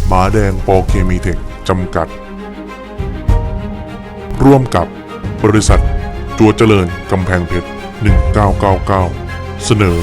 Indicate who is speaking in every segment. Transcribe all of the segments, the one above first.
Speaker 1: หมาแดงปอเคมีเทคจำกัด ร่วมกับบริษัทจัวเจริญกำแพงเพชร 1999 เสนอ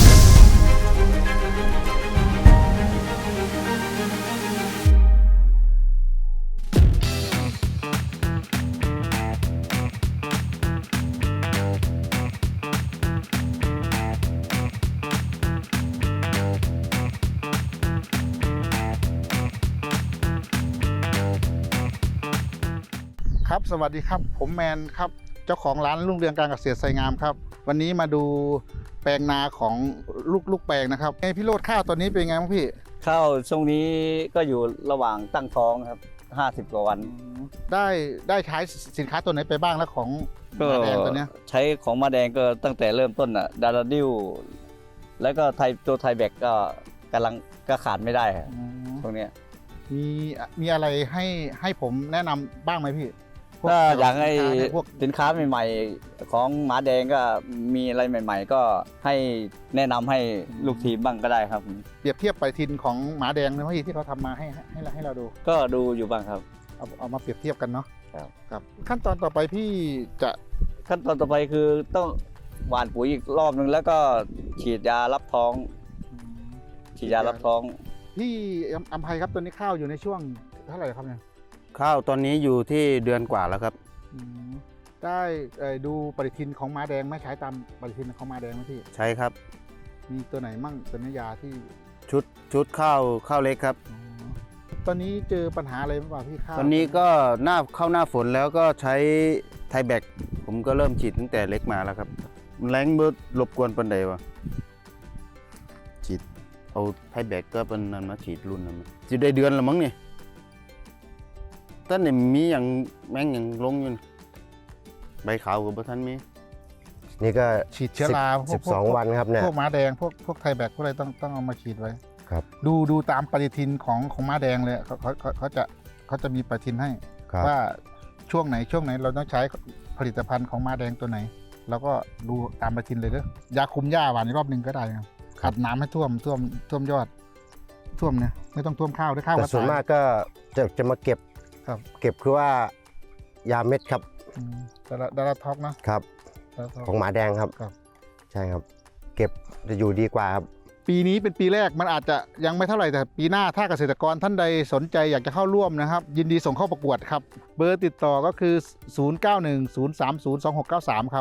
Speaker 2: ครับสวัสดีครับผมแมนครับเจ้าของร้านรุ่งเรืองการเกษตรไซงามครับวันนี้มาดูแปลงนาของลูกแปลงนะครับพี่โรดข้าวตอนนี้เป็นไงบ้างพี่
Speaker 3: ข้าวช่วงนี้ก็อยู่ระหว่างตั้งท้องครับ50กว่าวัน
Speaker 2: ได้ใช้สินค้าตัวไหนไปบ้างแล้วของ
Speaker 3: ก็
Speaker 2: มาแดงตัวเนี้ย
Speaker 3: ใช้ของมาแดงก็ตั้งแต่เริ่มต้นอ่ะดาราดิวแล้วก็ตัวไทยแบกก็กำลังก็ขาดไม่ได้ครับ
Speaker 2: อืม
Speaker 3: ตรงเนี้ย
Speaker 2: มีอะไรให้ผมแนะนำบ้างไหมพี่พว
Speaker 3: ถ้าอยากให้
Speaker 2: สินค้เนี่ยพวก
Speaker 3: สินค้าใหม่ๆของหมาแดงก็มีอะไรใหม่ ๆ ก็ให้แนะนำให้ลูกทีมบ้างก็ได้ครับ
Speaker 2: เปรียบเทียบปฏิทินของหมาแดงนะพี่ที่เขาทำมาให้เราดู
Speaker 3: ก็ดูอยู่บ้างครับ
Speaker 2: เอามาเปรียบเทียบกันเนาะ
Speaker 3: ครับ
Speaker 2: ครับขั้นตอนต่อไปพี่จะ
Speaker 3: ขั้นตอนต่อไปคือต้องหว่านปุ๋ยอีกรอบนึงแล้วก็ฉีดยารับท้องฉีดยารับท้อง
Speaker 2: พี่อัมภัยครับตัวนี้ข้าวอยู่ในช่วงเท่าไหร่ครับเนี่ย
Speaker 4: ข้าวตอนนี้อยู่ที่เดือนกว่าแล้วครับ
Speaker 2: อืมได้ดูปฏิทินของม้าแดงไหม่ใช้ตามปฏิทินของม้าแดงไหมพี่
Speaker 4: ใช้ครับ
Speaker 2: มีตัวไหนมั่งตัวนี้ยาที่
Speaker 4: ชุดข้าวเล็กครับ
Speaker 2: อ๋อตอนนี้เจอปัญหาอะไรบ้างเปล่าพี่ข้าว
Speaker 4: ตอนนี้ก็เข้าหน้าฝนแล้วก็ใช้ไทยแบกผมก็เริ่มฉีดตั้งแต่เล็กมาแล้วครับมันแรงเบิดรบกวนปันใดวะฉีดเอาไทยแบกก็เป็นนั้นมาฉีดรุ่นนั้นมาฉีดได้เดือนละมั้งนี่ตอนนี้มีอย่างแมงอย่างลงอยู่นี่ใบขาวกับใบทันมี
Speaker 5: นี่ก็
Speaker 2: ฉีดเชื้อราพวก
Speaker 5: 12 วันครับเนี่ย
Speaker 2: พวกม้าแดงพวกไทยแบกพวกอะไรต้องเอามาฉีดไว้
Speaker 5: ครับ
Speaker 2: ดูตามปฏิทินของม้าแดงเลยเขาจะมีปฏิทินให้
Speaker 5: ครับ
Speaker 2: ว่าช่วงไหนเราต้องใช้ผลิตภัณฑ์ของม้าแดงตัวไหนเราก็ดูตามปฏิทินเลยเด้อยาคุมหญ้าหวานอีกรอบหนึ่งก็ได้ครับขัดน้ำให้ท่วมยอดท่วมเนี่ยไม่ต้องท่วมข้าวด้วยข้าว
Speaker 5: แต่
Speaker 2: ก็
Speaker 5: ส่วน
Speaker 2: ตาย
Speaker 5: มากก็จะมาเก็บ
Speaker 2: ครับ
Speaker 5: เก็บคือว่ายาเม็ดครับ
Speaker 2: ดาราท็อกนะครับ ดาราท็อก
Speaker 5: ของหมาแดงครับ
Speaker 2: ครับ
Speaker 5: ใช่ครับ เก็บจะอยู่ดีกว่าครับ
Speaker 2: ปีนี้เป็นปีแรกมันอาจจะยังไม่เท่าไหร่แต่ปีหน้าถ้าเกษตรกรท่านใดสนใจอยากจะเข้าร่วมนะครับ ยินดีส่งเข้าประกวดครับ เบอร์ติดต่อก็คือ 0910302693 ครับ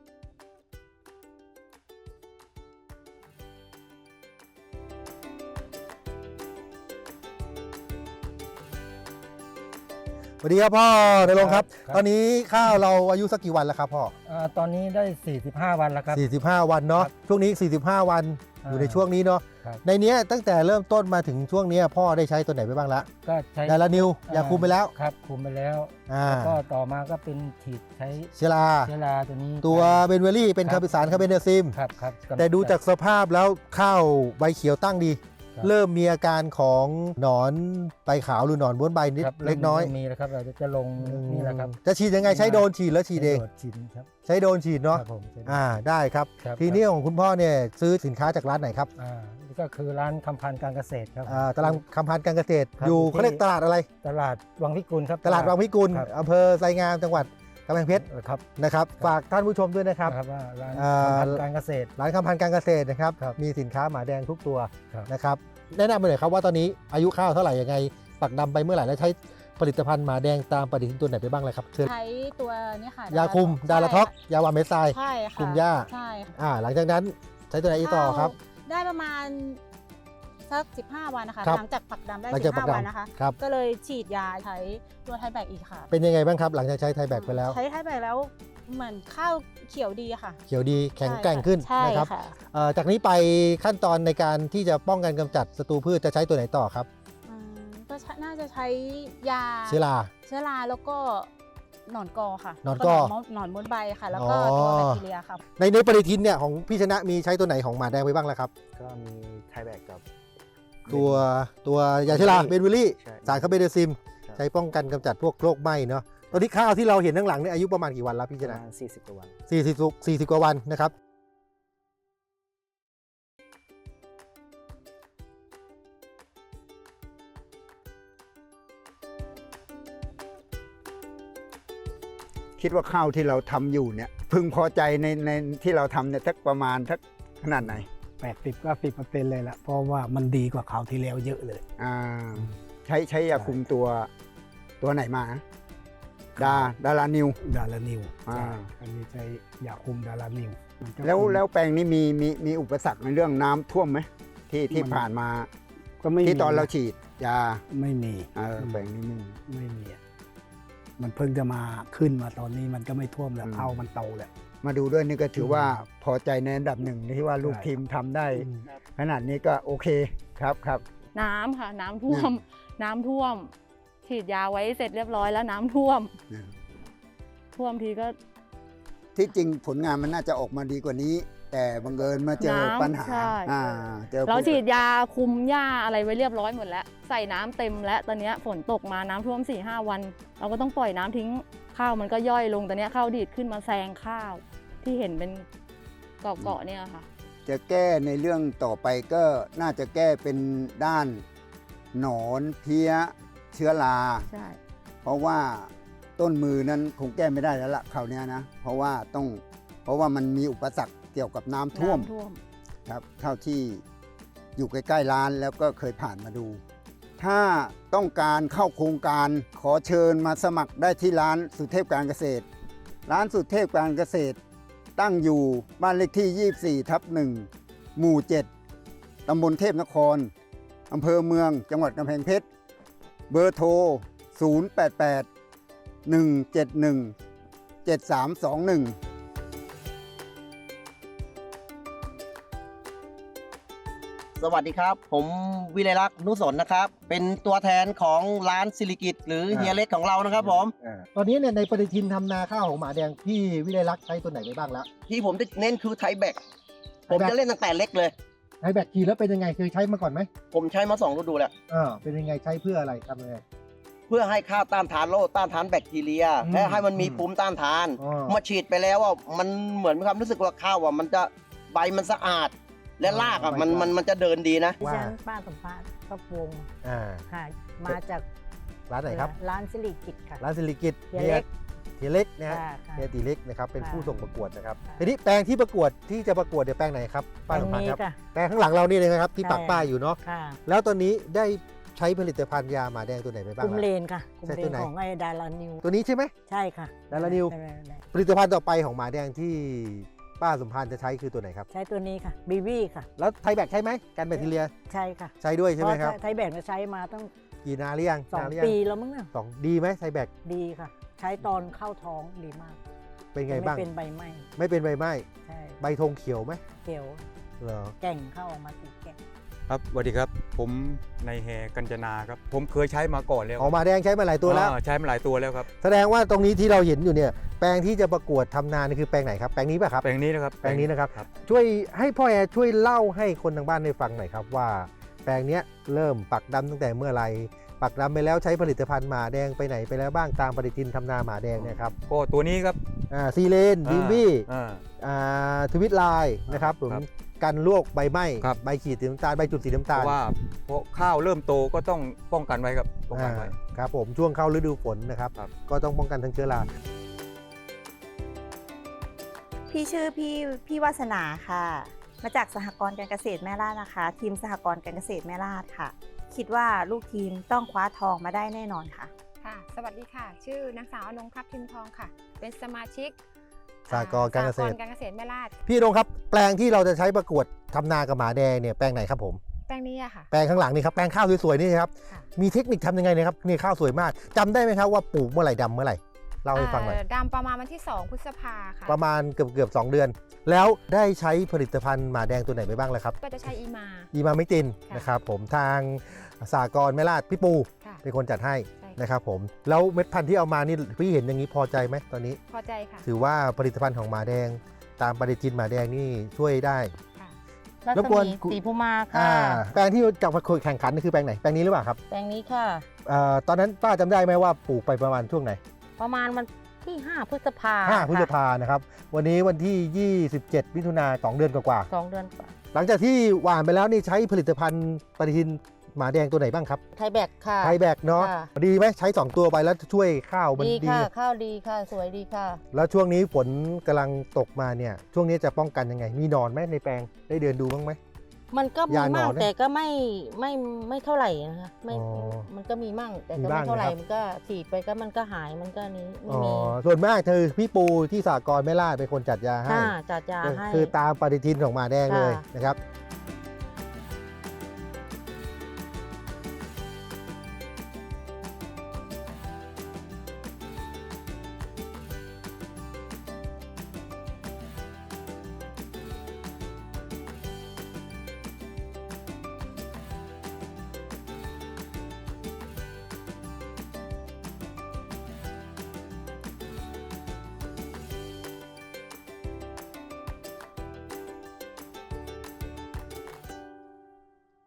Speaker 6: สวัสดีครับพ่อในรงค์ครับ
Speaker 7: ครับ
Speaker 6: ตอนนี้ข้าวเราอายุสักกี่วันแล้วครับพ่อ
Speaker 7: ตอนนี้ได้ 45 วันแล้วครับ
Speaker 6: 45 วันเนาะ
Speaker 7: ครับ
Speaker 6: ช่วงนี้ 45 วันอยู่ในช่วงนี้เนาะ
Speaker 7: ครับ
Speaker 6: ในเนี้ยตั้งแต่เริ่มต้นมาถึงช่วงเนี้ยพ่อได้ใช้ตัวไหนไปบ้างละ
Speaker 7: ก็ใช้
Speaker 6: ไดลานิวยาคุมไปแล้ว
Speaker 7: ครับคุมไปแล้ว
Speaker 6: อ่า
Speaker 7: แล้วก็ต่อมาก็เป็นฉีดใช้
Speaker 6: เชลา
Speaker 7: เชื้อราตัวนี้
Speaker 6: ตัวเบนเวอรี่เป็น
Speaker 7: ครั
Speaker 6: คา
Speaker 7: บ
Speaker 6: ร์บิสารคาร์เบนเดซิม
Speaker 7: ครับครับ
Speaker 6: แต่ดูจากสภาพแล้วข้าวใบเขียวตั้งดี
Speaker 7: ครับ
Speaker 6: เริ่มมีอาการของหนอนใบขาวหรือหนอนบ้วนใบนิด
Speaker 7: ครับ
Speaker 6: เล็กน้อย
Speaker 7: มีแล้วครับเราจะลงนี่แหละครับ
Speaker 6: จะฉีดยังไงใช้โดรนฉีดแล้วฉีดเอง
Speaker 7: โดดฉีดครับ
Speaker 6: ใช้โดรนฉีดเนาะ
Speaker 7: ครับผมใช้โดด
Speaker 6: ได้ครับ
Speaker 7: ครับ
Speaker 6: ทีนี้ของคุณพ่อเนี่ยซื้อสินค้าจากร้านไหนครับ
Speaker 7: นี่ก็คือร้านคำพันธ์การเกษตรครับ
Speaker 6: ตลาดคำพันธ์การเกษตร
Speaker 7: ครับ
Speaker 6: อยู่
Speaker 7: อยู่ที่
Speaker 6: เขาเรียกตลาดอะไร
Speaker 7: ตลาดวังพิกุลครับ
Speaker 6: ตลาดวังพิกุล
Speaker 7: ครับ
Speaker 6: อำเภอไซงามจังหวัดกำแพงเพชร
Speaker 7: ครับ
Speaker 6: นะครับฝากท่านผู้ชมด้วยนะครับ
Speaker 7: นะครับว่าร้าน
Speaker 6: อ่า
Speaker 7: คำพันธ์การเกษตร
Speaker 6: ร้านคำพันธ์การเกษตรนะครับ
Speaker 7: ครับ
Speaker 6: มีสินค้าหมาแดงทุกตัว
Speaker 7: ครับ
Speaker 6: นะครับแนะนำไปหน่อยครับว่าตอนนี้อายุข้าวเท่าไหร่ยังไงปักดำไปเมื่อไหร่และใช้ผลิตภัณฑ์หมาแดงตามปฏิทินตัวไหนไปบ้างเลยครับเชิญ
Speaker 8: ใช้ตัวนี้ค่ะ
Speaker 6: ยาคุมดาราท็อก
Speaker 8: ใช่
Speaker 6: ยาวาเมสไซด์
Speaker 8: ใช่ค่ะ
Speaker 6: คุมหญ้า
Speaker 8: ใช่ค่ะ
Speaker 6: หลังจากนั้นใช้ตัวไหนอีกต่อครับ
Speaker 8: ได้ประมาณสัก15 วันนะคะ
Speaker 6: ครับ
Speaker 8: หลังจากปักดำได้
Speaker 6: หลังจากปัก
Speaker 8: 15
Speaker 6: ดำ
Speaker 8: วันนะคะ
Speaker 6: ครับ
Speaker 8: ก็เลยฉีดยาใช้ตัวไทยแบกอีกค่ะ
Speaker 6: เป็นยังไงบ้างครับ หลังจากใช้ไทยแบกไปแล้ว
Speaker 8: ใช้ไทยแบกแล้วเหมือนข้าวเขียวดีค่ะ
Speaker 6: เขียวดีแข็งแกร่งขึ้น
Speaker 8: ใช่
Speaker 6: นะครับ
Speaker 8: ค่ะ
Speaker 6: จากนี้ไปขั้นตอนในการที่จะป้องกันกำจัดศัตรูพืชจะใช้ตัวไหนต่อครับ
Speaker 8: อืมก็น่าจะใช้ยา
Speaker 6: เชื้อรา
Speaker 8: เชื้อราแล้วก็หนอนกอค่ะ
Speaker 6: หนอนกอ
Speaker 8: แล้วหนอนมดใบค่ะ แล้วก็ตัวแบคทีเรียค่ะ
Speaker 6: ในปฏิทินเนี่ยของพี่ชนะมีใช้ตัวไหนของหมาแดงไปบ้างแล้วครับ
Speaker 4: ก็มีไทยแบกกับ
Speaker 6: ตัวยาเชื้อราเบนวิลลี่
Speaker 4: ใช่
Speaker 6: สารคาร์เบนเดซิม
Speaker 4: ครับ
Speaker 6: ใช้ป้องกันกำจัดพวกโรคไหม้เนาะตอนนี้ข้าวที่เราเห็นข้างหลังเนี่ยอายุประมาณกี่วันแล้วพี่ช
Speaker 4: ประ
Speaker 6: นะ
Speaker 4: มาณ40กว่าวัน
Speaker 6: 40กว่าวันนะครับ
Speaker 9: คิดว่าข้าวที่เราทำอยู่เนี่ยพึงพอใจในที่เราทำเนี่ยสักประมาณสักขนาดไหน
Speaker 7: 80-90%เลยละเพราะว่ามันดีกว่าคราวที่แล้วเยอะเลย
Speaker 9: ใช้ยาคุมตัวไหนมาดารานิว
Speaker 7: ดารานิว
Speaker 9: อ่า
Speaker 7: ใช่อันนี้ใช้ยาคุมดารานิวมันจะ
Speaker 9: แล้วแปลงนี้มีอุปสรรคในเรื่องน้ำท่วมไหมที่ผ่านมา
Speaker 7: ก็ไม่มี
Speaker 9: ที่ตอนเราฉีดยา
Speaker 7: ไม่มี
Speaker 9: แปลงนี้ไม่มี
Speaker 7: ไม่มีอะมันเพิ่งจะมาขึ้นมาตอนนี้มันก็ไม่ท่วมแล้วข้าวมันโตแล้ว
Speaker 9: มาดูด้วยนี่ก็ถือว่าพอใจในอันดับหนึ่งที่ว่าลูกทีมทำได้ ขนาดนี้ก็โอเคครับ
Speaker 10: น้ำค่ะ น้ำท่วม น้ำท่วม ฉีดยาไว้เสร็จเรียบร้อยแล้วน้ำท่วม ท่วมทีก็
Speaker 9: ที่จริงผลงานมันน่าจะออกมาดีกว่านี้ แต่บังเอิญมาเจอปัญหา
Speaker 10: ใช่
Speaker 9: เจอ
Speaker 10: เราฉีดยาคุมหญ้าอะไรไว้เรียบร้อยหมดแล้ว ใส่น้ำเต็มแล้วตอนเนี้ยฝนตกมาน้ำท่วม 4-5 วัน เราก็ต้องปล่อยน้ำทิ้งข้าวมันก็ย่อยลงตอนเนี้ยข้าวดีดขึ้นมาแซงข้าวที่เห็นเป็นเกาะๆเนี่ยค่ะ
Speaker 9: จะแก้ในเรื่องต่อไปก็น่าจะแก้เป็นด้านหนอนเพี้ยเชื้อรา
Speaker 10: ใช่
Speaker 9: เพราะว่าต้นมือนั้นคงแก้ไม่ได้แล้วล่ะคราวเนี้ยนะเพราะว่ามันมีอุปสรรคเกี่ยวกับน้ำท่วมครับเท่าที่อยู่ใกล้ๆร้านแล้วก็เคยผ่านมาดู ถ้าต้องการเข้าโครงการขอเชิญมาสมัครได้ที่ร้านสุเทพการเกษตร ร้านสุเทพการเกษตรตั้งอยู่บ้านเลขที่ 24/1 หมู่ 7 ตำบลเทพนคร อำเภอเมือง จังหวัดกำแพงเพชร เบอร์โทร 088-171-7321
Speaker 11: สวัสดีครับ ผมวิไลลักษณ์นุสนนะครับ เป็นตัวแทนของร้านสิริกิตหรือเฮียเล็กของเรานะครับผม
Speaker 6: ตอนนี้เนี่ยในปฏิทินทำนาข้าวของหมาแดงพี่วิไลลักษณ์ใช้ตัวไหนไปบ้างแล้ว
Speaker 11: ที่ผมจะเน้นคือไทยแบกผมจะเล่นตั้งแต่เล็กเลย
Speaker 6: ใช้แบตขี่แล้วเป็นยังไงเคยใช้มาก่อนไหม
Speaker 11: ผมใช้มา2 ฤดูแล้ว
Speaker 6: เป็นยังไงใช้เพื่ออะไรทำยังไง
Speaker 11: เพื่อให้ข้าวต้านทานโรคต้านทานแบคทีเรีย และให้มันมีภูมิต้านทาน มาฉีดไปแล้วว่ามันเหมือนมีความรู้สึกว่าข้าวว่ามันจะใบมันสะอาด และรากอ่ะมันจะเดินดีนะ
Speaker 12: ดิฉันป้าสมภารก็วงค่ะมาจาก
Speaker 6: ร้านไหนครับ
Speaker 12: ร้านสิริกิตค่ะ
Speaker 6: ร้านสิริกิต
Speaker 12: เฮียเล็ก
Speaker 6: เฮียเล็กนะฮะ
Speaker 12: ค่ะ
Speaker 6: เฮียตีเล็กนะครับเป็น
Speaker 12: ค่ะ
Speaker 6: ผู้ส่งประกวดนะครับทีนี้แปลงที่ประกวดที่จะประกวดเดี๋ยวแปลงไหนครับป้าสมภารครับ
Speaker 12: แปลงนี้ค่ะ
Speaker 6: แปลงข้างหลังเรานี่เลยนะครับที่
Speaker 12: ใช่
Speaker 6: ปักป้ายอยู่เนาะ
Speaker 12: ค่ะ
Speaker 6: แล้วตอนนี้ได้ใช้ผลิตภัณฑ์ยาหมาแดงตัวไหนไปบ้าง
Speaker 12: กุม
Speaker 6: ล่ะ
Speaker 12: เลนค่ะกุม
Speaker 6: ใช่
Speaker 12: เล
Speaker 6: ตัวน ไหน
Speaker 12: ของไอ้ดารานิว
Speaker 6: ตัวนี้ใช่ไหม
Speaker 12: ใช่ค่ะ
Speaker 6: ดารานิว
Speaker 12: ได้
Speaker 6: ผลิตภัณฑ์ต่อไปของหมาแดงที่ป้าสมภารจะใช้คือตัวไหนครับ
Speaker 12: ใช้ตัวนี้ค่ะบีวี่ค่ะ
Speaker 6: แล้วไทยแบคใช่ไหมกันแบคทีเรีย
Speaker 12: ใช่ค่ะ
Speaker 6: ใช้ด้วยใช่ไหมครับ
Speaker 12: เพาะไทยแบกใช้มาตั้ง
Speaker 6: กี่นาหรือยังนานหรือยัง
Speaker 12: 2 ปีแล้วมั้งเนี่ย
Speaker 6: สองดีไหมไทยแบค
Speaker 12: ดีค่ะ ใช้ตอนเข้าท้องดีมาก
Speaker 6: เป็นไงบ้าง
Speaker 12: ไม่เป็นใบไหม้
Speaker 6: ไม่เป็นใบไหม้
Speaker 12: ใช่
Speaker 6: ใบธงเขียวไหม
Speaker 12: เขียว
Speaker 6: เหรอ
Speaker 12: แก่งเข้าออกมาสีแก่ง
Speaker 13: ครับสวัสดีครับ ผมนายแฮกัญจนาครับ ผมเคยใช้มาก่อนแล้ว
Speaker 6: ออกมาแดงใช้มาหลายตัวแล้ว
Speaker 13: ใช้มาหลายตัวแล้วครับ
Speaker 6: แสดงว่าตรงนี้ที่เราเห็นอยู่เนี่ยแปลงที่จะประกวดทำนานี่คือแปลงไหนครับแปลงนี้ป่ะครับ
Speaker 13: แปลงนี้นะครับ
Speaker 6: แปลงนี้นะครับช่วยให้พ่อแอร์ช่วยเล่าให้คนทางบ้านได้ฟังหน่อยครับว่า แปลงเนี้ยเริ่มปักดำตั้งแต่เมื่อไหร่ปักดำไปแล้วใช้ผลิตภัณฑ์หมาแดงไปไหนไปแล้วบ้างตามปฏิทินทำนาหมาแดงเนี่ยครับ
Speaker 13: ก็ตัวนี้ครับ
Speaker 6: ซีเลนดิมบี้
Speaker 13: อ่า
Speaker 6: ทวิตไลน์นะครับผม
Speaker 13: ครับ
Speaker 6: กันลวกใบไหม้
Speaker 13: ครับ
Speaker 6: ใบขีดสีน้ำตาลใบจุดสีน้ำ
Speaker 13: เพ
Speaker 6: ตาล
Speaker 13: ราะว่าเพราะข้าวเริ่มโตก็ต้องป้องกันไว้ครับป้องกันไว้
Speaker 6: ครับผมช่วงเข้าฤดูฝนนะครับ ก็ต้องป้องกันทั้งเชื้อรา
Speaker 14: พี่ชื่อพี่วาสนาค่ะ มาจากสหกรณ์การเกษตรแม่ลาดนะคะ ทีมสหกรณ์การเกษตรแม่ลาดค่ะ คิดว่าลูกทีมต้องคว้าทองมาได้แน่นอนค่ะ
Speaker 15: ค่ะ สวัสดีค่ะ ชื่อนางสาวอนงครับทิมทองค่ะ เป็นสมาชิก
Speaker 6: สหกรณ์การเกษตร
Speaker 15: การเกษตรแม่ลาด
Speaker 6: พี่นงครับแปลงที่เราจะใช้ประกวดทำนากับหมาแดงเนี่ยแปลงไหนครับผม
Speaker 15: แปลงนี้อะค่ะ
Speaker 6: แปลงข้างหลังนี่ครับแปลงข้าวสวยๆนี่ครับมีเทคนิคทำยังไงนะครับนี่ข้าวสวยมากจำได้ไหมครับว่าปลูกเมื่อไหร่ดำเมื่อไหร่เล่าให้ฟังหน่อย
Speaker 15: ดำประมาณวันที่ 2 พฤษภาค่ะ
Speaker 6: ประมาณเกือบ2 เดือน แล้วได้ใช้ผลิตภัณฑ์หมาแดงตัวไหนไปบ้างแล้วครับ
Speaker 15: ก็จะใช้อีมา
Speaker 6: อีมาไม่ตินนะครับผมทางสหกรณ์แม่ลาดพี่ปู
Speaker 15: ค่ะ
Speaker 6: เป็นคนจัดให้
Speaker 15: ใช่
Speaker 6: นะครับผมแล้วเม็ดพันธุ์ที่เอามานี่พี่เห็นอย่างนี้พอใจไหมตอนนี้
Speaker 15: พอใจค่ะ
Speaker 6: ถือว่าผลิตภัณฑ์ของหมาแดง ตามปฏิทินหมาแดงนี่ช่วยได้
Speaker 10: รัศมีสีภูมาค่ะ
Speaker 6: แปลงที่จะมาแข่งขันนี่คือแปลงไหนแปลงนี้หรือเปล่าครับ
Speaker 10: แปลงนี้ค่ะ
Speaker 6: ตอนนั้นป้าจำได้ไหมว่าปลูกไปประมาณช่วงไหน
Speaker 10: ประมาณวันที่ 5 พฤษภา
Speaker 6: 5 พฤษภานะครับวันนี้วันที่ 27 มิถุนา2 เดือนกว่า
Speaker 10: 2 เดือนกว่า
Speaker 6: หลังจากที่หว่านไปแล้วนี่ใช้ผลิตภัณฑ์ปฏิทินหมาแดงตัวไหนบ้างครับ
Speaker 12: ไทยแบกค่ะ
Speaker 6: ไทยแบกเนาะ
Speaker 12: ค่ะ
Speaker 6: ดีไหมใช้ 2 ตัวไปแล้วช่วยข้าวมัน
Speaker 12: ดี
Speaker 6: ดี
Speaker 12: ค่ะ ข้าวดีค่ะ สวยดีค่ะ
Speaker 6: แล้วช่วงนี้ฝนกำลังตกมาเนี่ยช่วงนี้จะป้องกันยังไง มีหนอนไหมในแปลงได้เดินดูบ้างไหม
Speaker 12: มันก็มี
Speaker 6: ยาหนอน
Speaker 12: มั่ง
Speaker 6: นะ
Speaker 12: แต่ก็ไม่เท่าไหร่นะคะไม่
Speaker 6: อ๋อ
Speaker 12: มันก็มีมั่งแต่
Speaker 6: มี
Speaker 12: ก็
Speaker 6: บ้า
Speaker 12: ไม่
Speaker 6: ง
Speaker 12: เท่าไหร่
Speaker 6: นะครับ
Speaker 12: มันก็ฉีดไปก็มันก็หายมันก็นี้ไม่
Speaker 6: อ๋อ
Speaker 12: มี
Speaker 6: ส่วนมากคือพี่ปูที่สหกรณ์แม่ล่าเป็นคนจัดยาให้
Speaker 12: ค่ะจัดยาให้
Speaker 6: คือตามปฏิทินของหมาแดงเลย
Speaker 12: ค่ะ
Speaker 6: นะครับ